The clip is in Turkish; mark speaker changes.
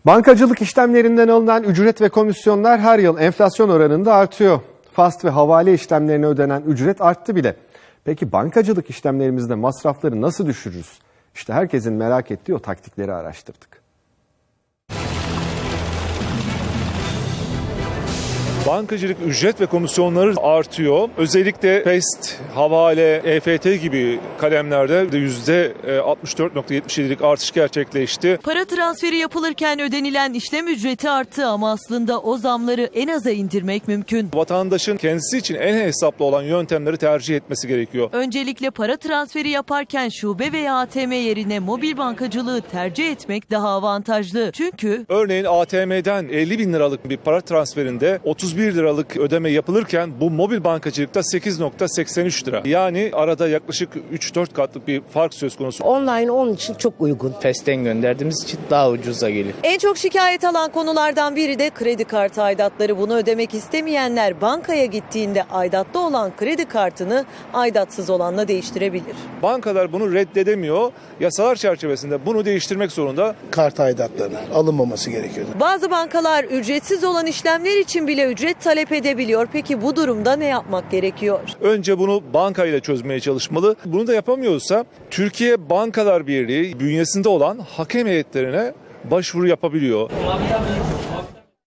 Speaker 1: Bankacılık işlemlerinden alınan ücret ve komisyonlar her yıl enflasyon oranında artıyor. Fast ve havale işlemlerine ödenen ücret arttı bile. Peki bankacılık işlemlerimizde masrafları nasıl düşürürüz? İşte herkesin merak ettiği o taktikleri araştırdık.
Speaker 2: Bankacılık ücret ve komisyonları artıyor. Özellikle PEST, havale, EFT gibi kalemlerde %64,77'lik artış gerçekleşti.
Speaker 3: Para transferi yapılırken ödenilen işlem ücreti arttı ama aslında o zamları en aza indirmek mümkün.
Speaker 2: Vatandaşın kendisi için en hesaplı olan yöntemleri tercih etmesi gerekiyor.
Speaker 3: Öncelikle para transferi yaparken şube veya ATM yerine mobil bankacılığı tercih etmek daha avantajlı. Çünkü
Speaker 2: örneğin ATM'den 50 bin liralık bir para transferinde 31 liralık ödeme yapılırken bu mobil bankacılıkta 8,83 lira. Yani arada yaklaşık 3-4 katlık bir fark söz konusu.
Speaker 4: Online onun için çok uygun.
Speaker 5: PES'ten gönderdiğimiz için daha ucuza geliyor.
Speaker 3: en çok şikayet alan konulardan biri de kredi kartı aidatları. Bunu ödemek istemeyenler bankaya gittiğinde aidatlı olan kredi kartını aidatsız olanla değiştirebilir.
Speaker 2: Bankalar bunu reddedemiyor. Yasalar çerçevesinde bunu değiştirmek zorunda.
Speaker 6: Kart aidatlarının alınmaması gerekiyordu.
Speaker 3: Bazı bankalar ücretsiz olan işlemler için bile ücret talep edebiliyor. Peki bu durumda ne yapmak gerekiyor?
Speaker 2: Önce bunu bankayla çözmeye çalışmalı. Bunu da yapamıyorsa Türkiye Bankalar Birliği bünyesinde olan hakem heyetlerine başvuru yapabiliyor.